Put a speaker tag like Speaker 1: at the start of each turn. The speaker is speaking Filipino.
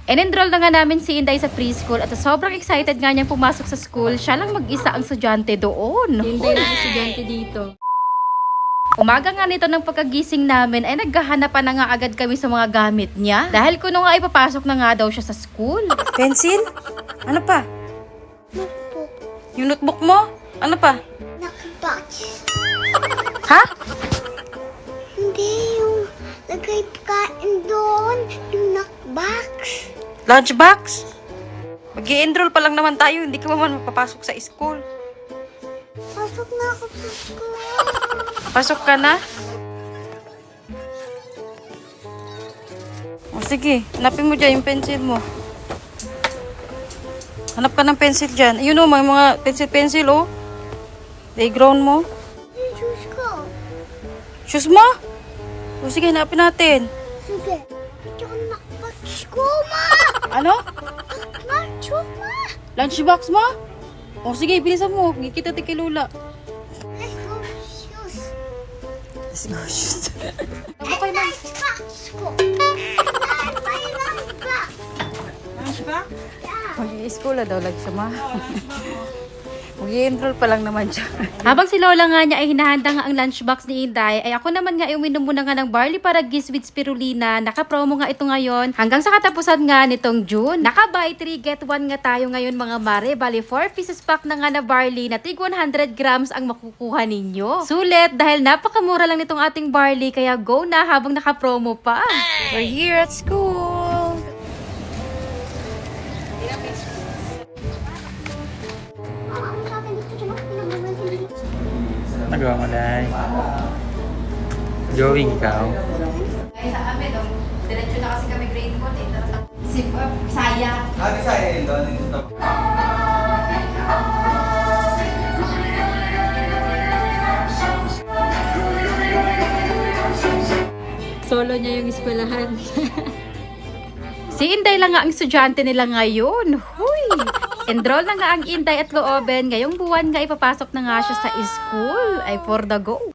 Speaker 1: In-enroll na nga namin si Inday sa preschool at sobrang excited nga niyang pumasok sa school. Siya lang mag-isa ang estudyante doon.
Speaker 2: Hindi na estudyante dito.
Speaker 1: Umaga nga nito ng pagkagising namin ay naghahanapan na nga agad kami sa mga gamit niya. Dahil kuno nga ipapasok na nga daw siya sa school.
Speaker 3: Pencil? Ano pa?
Speaker 4: Notebook.
Speaker 3: Yung notebook mo? Ano pa?
Speaker 4: Knockbox.
Speaker 3: Ha?
Speaker 4: Hindi yung lagay pagkain doon. Yung knockbox.
Speaker 3: Lunchbox? Mag-i-enroll pa lang naman tayo. Hindi ka pa man mapapasok sa school.
Speaker 4: Pasok na ako sa school.
Speaker 3: Pasok ka na? O sige, hanapin mo dyan yung pencil mo. Hanap ka ng pencil dyan. Ayun o, may mga pencil-pencil o. Playground mo.
Speaker 4: Yung shoes ko.
Speaker 3: Shoes mo? O sige, hanapin natin.
Speaker 4: Sige. Ito yung knockbox ko, ma.
Speaker 3: Ano?
Speaker 4: Knockbox ko, ma.
Speaker 3: Lunchbox mo? O sige, bilisan mo. Kita kay Lola.
Speaker 4: Let's go shoes.
Speaker 3: Let's go, shoes.
Speaker 4: Ay, knockbox ko. Ay, may knockbox.
Speaker 3: Lunchbox?
Speaker 4: Yeah.
Speaker 3: Mag-i-school na daw lang siya, ma. Mag-i-enroll pa lang naman siya.
Speaker 1: Habang si Lola nga niya ay hinahanda nga ang lunchbox ni Inday, ay ako naman nga uminom muna nga ng barley paragis with spirulina. Naka-promo nga ito ngayon hanggang sa katapusan nga nitong June. Naka-buy 3 get 1 nga tayo ngayon mga mare. Bali 4 pieces pack na nga na barley na tig 100 grams ang makukuha ninyo. Sulit dahil napakamura lang nitong ating barley kaya go na habang naka-promo pa.
Speaker 3: We're here at school.
Speaker 4: Ang sabi dito siya pinag-uwan.
Speaker 5: Nagawa mo, Day. Drawing ikaw.
Speaker 1: Ay sa amin, diretso na kasi kami grade 1 eh. Saya.
Speaker 2: Solo niya yung eskwelahan.
Speaker 1: Si Inday lang nga ang estudyante nila ngayon. Huy! Enroll na nga ang Inday at Looben. Ngayong buwan nga ipapasok na nga siya sa school. Ay for the go.